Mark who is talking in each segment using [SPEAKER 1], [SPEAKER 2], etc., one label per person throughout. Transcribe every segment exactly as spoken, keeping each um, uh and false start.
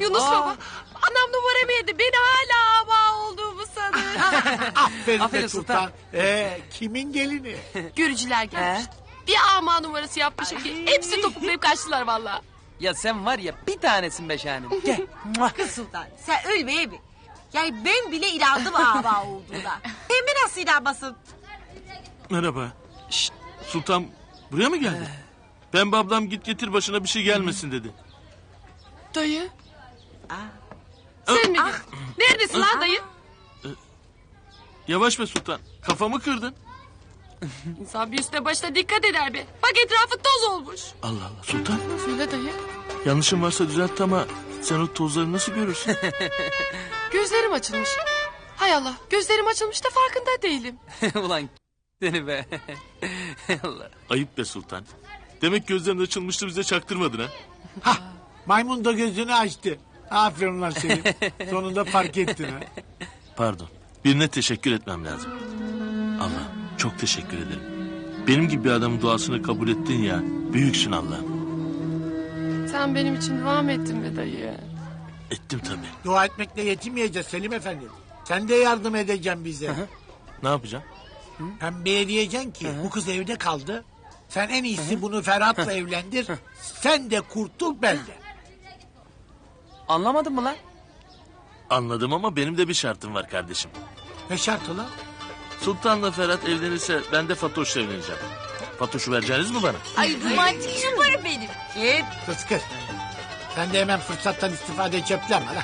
[SPEAKER 1] Yunus
[SPEAKER 2] Aa.
[SPEAKER 1] baba. Anam numaramı yedi. Beni hala ama olduğumu sanır.
[SPEAKER 3] Aferin,
[SPEAKER 2] Aferin
[SPEAKER 3] be Sultan.
[SPEAKER 2] Sultan.
[SPEAKER 3] Ee, kimin gelini?
[SPEAKER 1] Görücüler gelmiş. Bir ama numarası yapmışım ki hepsi topuklayıp kaçtılar valla.
[SPEAKER 2] Ya sen var ya bir tanesin be şahanem. Gel. Muah.
[SPEAKER 4] Kız Sultan sen ölmeye mi? Yani ben bile inandım ava olduğuna. Pembe nasıl inanmasın?
[SPEAKER 5] Merhaba. Şşt, Sultan buraya mı geldi? Ben babam git getir başına bir şey gelmesin dedi.
[SPEAKER 1] Dayı. Sen miydin? Neredesin lan dayı?
[SPEAKER 5] Yavaş be Sultan. Kafamı kırdın.
[SPEAKER 1] İnsan bir üstüne başına dikkat eder be. Bak etrafı toz olmuş.
[SPEAKER 5] Allah Allah Sultan.
[SPEAKER 1] Söyle dayı.
[SPEAKER 5] Yanlışım varsa düzelt ama sen o tozları nasıl görürsün?
[SPEAKER 1] Gözlerim açılmış. Hay Allah, gözlerim açılmış da farkında değilim.
[SPEAKER 2] Ulan seni be. Allah.
[SPEAKER 5] Ayıp be Sultan. Demek gözlerin açılmıştı bize çaktırmadın ha.
[SPEAKER 3] Hah, maymun da gözünü açtı. Aferin lan Selim. Sonunda fark ettin ha.
[SPEAKER 5] Pardon. Birine teşekkür etmem lazım. Allah çok teşekkür ederim. Benim gibi bir adamın duasını kabul ettin ya. Büyüksün Allah'ım.
[SPEAKER 1] Sen benim için dua mı ettin be dayı?
[SPEAKER 5] Ettim tabii.
[SPEAKER 3] Dua etmekle yetinmeyeceğiz Selim Efendi. Sen de yardım edeceksin bize.
[SPEAKER 5] Ne yapacağım?
[SPEAKER 3] Pembeye diyeceksin ki bu kız evde kaldı. Sen en iyisi bunu Ferhat'la evlendir. Sen de kurtul ben de.
[SPEAKER 2] Anlamadın mı lan?
[SPEAKER 5] Anladım ama benim de bir şartım var kardeşim.
[SPEAKER 3] Ne şartı lan?
[SPEAKER 5] Sultan'la Ferhat evlenirse ben de Fatoş'la evleneceğim. Fatoş'u vereceğiniz mi bana?
[SPEAKER 4] Ay romantik şumarım benim. Git.
[SPEAKER 3] Kız kız. Sen de hemen fırsattan istifade cepleme lan.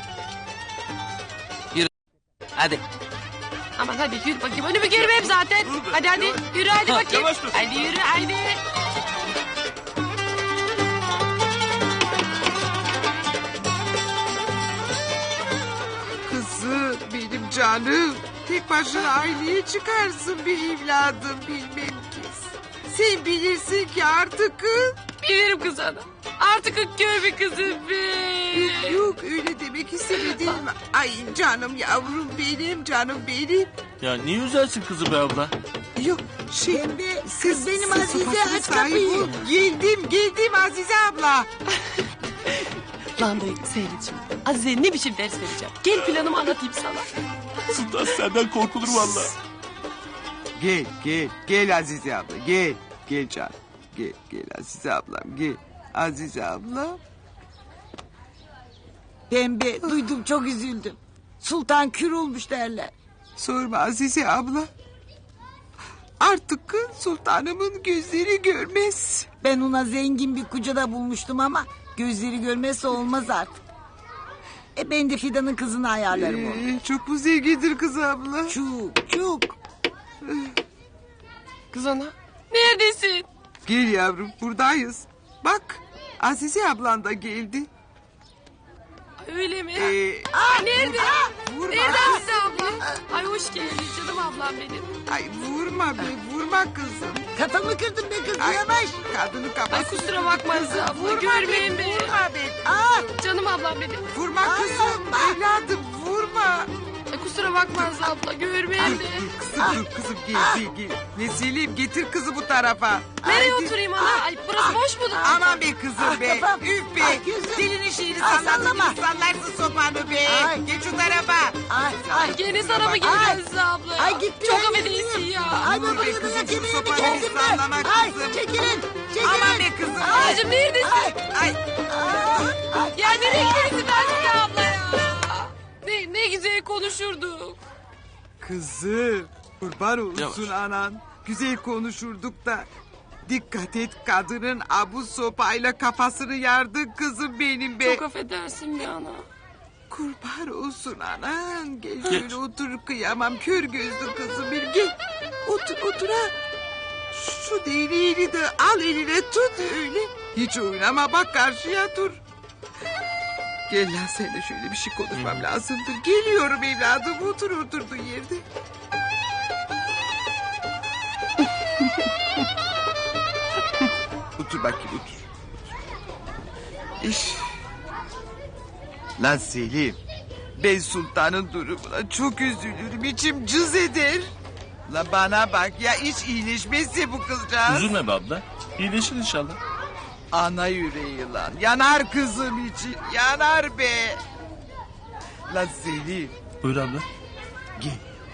[SPEAKER 2] Hadi.
[SPEAKER 1] Aman hadi yürü bakayım. Önümü görmeyeyim zaten. Hadi hadi yürü hadi bakayım.
[SPEAKER 5] Yavaş dur.
[SPEAKER 1] Hadi yürü hadi.
[SPEAKER 6] Kızım benim canım. Tek başına aileye çıkarsın bir evladım bilmem ki. Sen bilirsin ki artık kız.
[SPEAKER 1] Bilirim kız ana. Artık kör bir kızım be.
[SPEAKER 6] Yok öyle demek istemedim. Ay canım yavrum benim canım benim.
[SPEAKER 5] Ya niye üzersin kızı be abla?
[SPEAKER 6] Yok şey.
[SPEAKER 4] Pembe,
[SPEAKER 6] Kız,
[SPEAKER 4] kız benim
[SPEAKER 6] sen
[SPEAKER 4] Azize,
[SPEAKER 6] sopasına
[SPEAKER 4] aç
[SPEAKER 6] sahip
[SPEAKER 4] kapıyı.
[SPEAKER 6] ol. Geldim geldim Azize abla.
[SPEAKER 1] Lan dayı seyret şimdi. Azize'ye ne biçim ders vereceğim. Gel planımı anlatayım sana.
[SPEAKER 5] Sultan senden korkulur valla.
[SPEAKER 6] Gel gel gel Azize abla gel. Gel canım. Gel gel Azize ablam gel. Azize abla.
[SPEAKER 4] Pembe duydum çok üzüldüm. Sultan kür olmuş derler.
[SPEAKER 6] Sorma Azize abla. Artık sultanımın gözleri görmez.
[SPEAKER 4] Ben ona zengin bir kucada bulmuştum ama gözleri görmezse olmaz artık. E ben de Fidan'ın kızını ayarlarım onu.
[SPEAKER 6] Ee, çok mu zengindir kız abla?
[SPEAKER 4] Çok çok.
[SPEAKER 1] Kız ana. Neredesin?
[SPEAKER 6] Gel yavrum buradayız. Bak Azize ablan da geldi.
[SPEAKER 1] Öyle mi?
[SPEAKER 6] Ee,
[SPEAKER 1] Ay nerede?
[SPEAKER 6] vurma.
[SPEAKER 1] Nerede Azize abla? Ay hoş geldin canım ablam benim.
[SPEAKER 6] Ay vurma be vurma kızım.
[SPEAKER 4] Kafamı kırdım be kız
[SPEAKER 6] Ay,
[SPEAKER 4] yavaş.
[SPEAKER 6] Kadını kapat.
[SPEAKER 1] Ay kusura bakma Azize abla.
[SPEAKER 6] Vurma
[SPEAKER 1] Görmeyin
[SPEAKER 6] be
[SPEAKER 1] beni.
[SPEAKER 6] vurma be.
[SPEAKER 4] Aa,
[SPEAKER 1] Canım ablam benim.
[SPEAKER 6] Vurma kızım evladım vurma.
[SPEAKER 1] Ay kusura bakma Azize abla. Görmeyin beni.
[SPEAKER 6] Kızım dur kızım gel gel gel. Vesileyim getir kızı bu tarafa.
[SPEAKER 1] Nereye
[SPEAKER 6] Haydi.
[SPEAKER 1] oturayım ana? Ay burası boş mudur?
[SPEAKER 6] Aman be kızım
[SPEAKER 4] Ah,
[SPEAKER 6] be.
[SPEAKER 4] kafam.
[SPEAKER 6] Üf be.
[SPEAKER 4] Ay, gözüm.
[SPEAKER 6] Dilini şeyini
[SPEAKER 4] Ay,
[SPEAKER 6] sallarsın
[SPEAKER 4] sallama.
[SPEAKER 6] gibi sallarsın sopanı be.
[SPEAKER 4] Ay.
[SPEAKER 6] Geç şu tarafa.
[SPEAKER 4] ay, ay.
[SPEAKER 1] Gene sana mı geliyor
[SPEAKER 4] Ay.
[SPEAKER 1] Azize abla ya?
[SPEAKER 4] Ay gitti.
[SPEAKER 1] Çok
[SPEAKER 4] ay,
[SPEAKER 1] affedersin
[SPEAKER 4] gitti.
[SPEAKER 1] ya.
[SPEAKER 4] Ay
[SPEAKER 6] Dur
[SPEAKER 4] baba
[SPEAKER 6] be
[SPEAKER 4] kızım
[SPEAKER 6] kızım, şu
[SPEAKER 4] kemiğimi
[SPEAKER 6] sopayı
[SPEAKER 4] kesin
[SPEAKER 6] sallama
[SPEAKER 4] be. Ay
[SPEAKER 6] kızım.
[SPEAKER 4] çekilin. Çekilin.
[SPEAKER 6] Aman be kızım.
[SPEAKER 4] Ay.
[SPEAKER 1] Ablacığım neredesin?
[SPEAKER 4] Ay.
[SPEAKER 6] Ay.
[SPEAKER 4] Ay, ay.
[SPEAKER 1] Ya nereye gidiyorsun Azize abla ya? Ne, ne güzel konuşurduk.
[SPEAKER 6] Kızım kurban olsun
[SPEAKER 5] Yavaş.
[SPEAKER 6] anan. Güzel konuşurduk da. Dikkat et kadının abu sopayla kafasını yardın kızım benim be.
[SPEAKER 1] Çok affedersin be ana.
[SPEAKER 6] Kurban olsun anan. Gel şöyle otur kıyamam kör gözlü kızım bir gel. Otur otur ha. Şu deliğini de al eline tut öyle. Hiç oynama bak karşıya dur. Gel lan seninle şöyle bir şey konuşmam lazımdır. Geliyorum evladım otur oturduğun yerde. Otur bakayım otur. İş. Lan Selim. Ben sultanın durumuna çok üzülürüm. İçim cız eder. La bana bak ya hiç iyileşmezse bu kızcağız.
[SPEAKER 5] Üzülme be abla. İyileşir inşallah.
[SPEAKER 6] Ana yüreği lan. Yanar kızım için. Yanar be. Lan Selim.
[SPEAKER 5] Buyur abla.
[SPEAKER 6] Gel.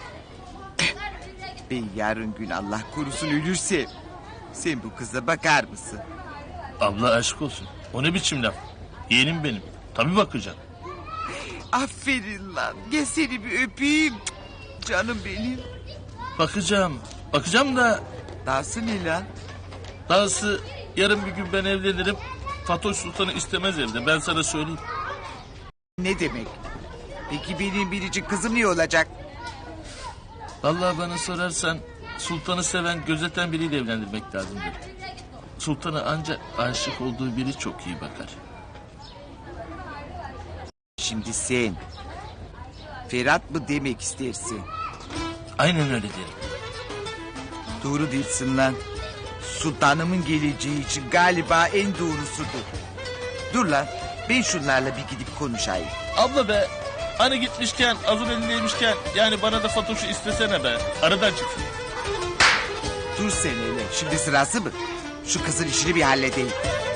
[SPEAKER 6] Ben yarın gün Allah korusun ölürsem... sen bu kıza bakar mısın?
[SPEAKER 5] Abla aşk olsun. O ne biçim laf? Yeğenim benim. Tabii bakacağım.
[SPEAKER 6] Aferin lan. Gel seni bir öpeyim. Canım benim.
[SPEAKER 5] Bakacağım. Bakacağım da
[SPEAKER 6] Dahası ne lan?
[SPEAKER 5] dahası yarın bir gün ben evlenirim. Fatoş Sultan'ı istemez evde. Ben sana söyleyeyim.
[SPEAKER 6] Ne demek? Peki benim biricik kızım ne olacak?
[SPEAKER 5] Vallahi bana sorarsan Sultan'ı seven, gözeten biriyle evlendirmek lazımdır. Sultan'a ancak aşık olduğu biri çok iyi bakar.
[SPEAKER 6] Şimdi sen... Ferhat mı demek istersin?
[SPEAKER 5] Aynen öyle derim.
[SPEAKER 6] Doğru değilsin lan. Sultanımın geleceği için galiba en doğrusudur. Dur lan. Ben şunlarla bir gidip konuşayım.
[SPEAKER 5] Abla be, hani gitmişken, hazır elindeymişken, yani bana da Fatoş'u istesene be. Aradan çıksın.
[SPEAKER 6] Dur sen öyle. Şimdi sırası mı? Şu kızın işini bir halledeyim.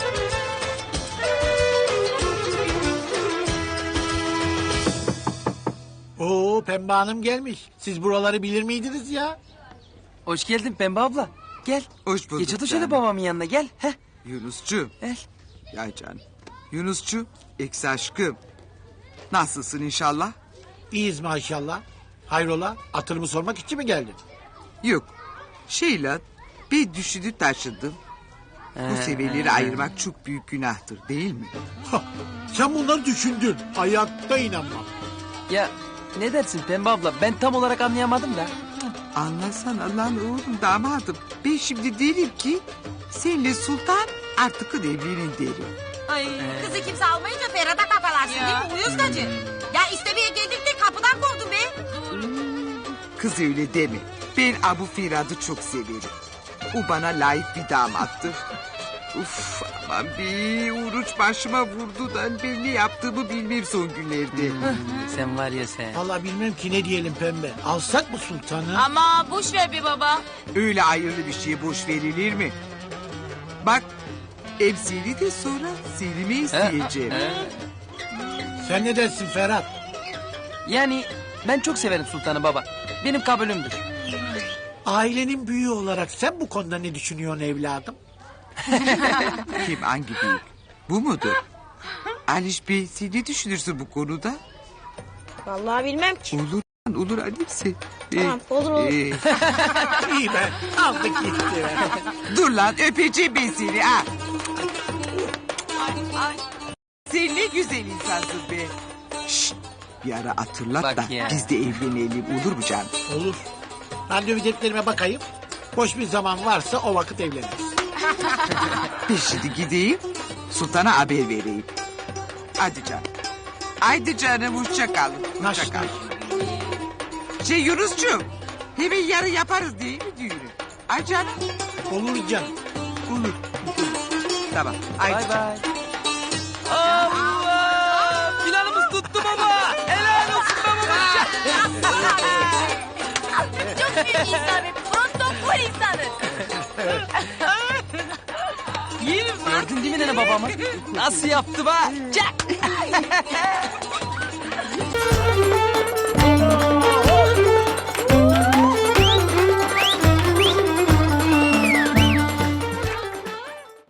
[SPEAKER 3] Oo Pembe Hanım gelmiş. Siz buraları bilir miydiniz ya?
[SPEAKER 2] Hoş geldin Pembe abla. Gel.
[SPEAKER 6] Hoş bulduk
[SPEAKER 2] Geç otur şöyle
[SPEAKER 6] canım.
[SPEAKER 2] babamın yanına gel. Heh.
[SPEAKER 6] Yunusçu.
[SPEAKER 2] Gel.
[SPEAKER 6] Ya canım. Yunusçu. Eks aşkım. Nasılsın inşallah?
[SPEAKER 3] İyiyiz maşallah. Hayrola? Hatırımı sormak için mi geldin?
[SPEAKER 6] Yok. Şey lan. Bir düşünüp taşındım. Bu seviyeleri ayırmak çok büyük günahtır değil mi?
[SPEAKER 3] Hah, sen bunları düşündün. Hayatta inanmam.
[SPEAKER 2] Ya ne dersin Pembe abla? Ben tam olarak anlayamadım da.
[SPEAKER 6] Anlasana lan oğlum damadım. Ben şimdi derim ki... senle Sultan artık evlenin derim.
[SPEAKER 7] Ay kızı kimse almayınca Ferhat'a kafalarsın değil mi uyuz gacı? Ya istemeye geldik de kapıdan kovdun be.
[SPEAKER 6] Kız öyle deme. Ben Abu Firad'ı çok severim. O bana layık bir damattır. Uf aman bir oruç başıma vurdu da ben ne yaptığımı bilmem son günlerde.
[SPEAKER 2] Sen var ya sen.
[SPEAKER 3] Vallahi bilmem ki ne diyelim Pembe. Alsak mı sultanı?
[SPEAKER 7] Ama boş ver bir baba.
[SPEAKER 6] Öyle hayırlı bir şeye boş verilir mi? Bak hem seni de sonra Selim'i isteyeceğim.
[SPEAKER 3] Sen ne dersin Ferhat?
[SPEAKER 2] Yani ben çok severim Sultan'ı baba. Benim kabulümdür.
[SPEAKER 3] Ailenin büyüğü olarak sen bu konuda ne düşünüyorsun evladım?
[SPEAKER 6] Kim hangi büyük? Bu mudur? Aliş Bey sen ne düşünürsün bu konuda?
[SPEAKER 7] Vallahi bilmem ki.
[SPEAKER 6] Olur lan, olur Alice.
[SPEAKER 7] Tamam, olur, olur.
[SPEAKER 3] İyi be. Aldık gitti be.
[SPEAKER 6] Dur lan öpeceğim ben seni ha. Sen ne güzel insansın be. Şşt, bir ara hatırlat
[SPEAKER 2] Bak
[SPEAKER 6] da
[SPEAKER 2] ya.
[SPEAKER 6] biz de evlenelim olur mu canım?
[SPEAKER 3] Olur. Randevu defterime bakayım. Boş bir zaman varsa o vakit evleniriz.
[SPEAKER 6] Ben şimdi gideyim Sultan'a haber vereyim. Hadi canım. Haydi canım hoşça kalın. Hoşça
[SPEAKER 3] Naş
[SPEAKER 6] kal.
[SPEAKER 3] naş.
[SPEAKER 6] Şey Yunus'cuğum hemen yarın yaparız değil mi düğünü? Ay canım.
[SPEAKER 3] Olur canım.
[SPEAKER 6] Olur. Tamam. Haydi
[SPEAKER 2] Bay
[SPEAKER 6] canım.
[SPEAKER 2] bay. Allah! Planımız tuttu baba. Helal olsun babamız.
[SPEAKER 7] Çok büyük insan be. Protokol insanı.
[SPEAKER 2] Gördün değil mi nene babamı? Nasıl yaptı be? Çak!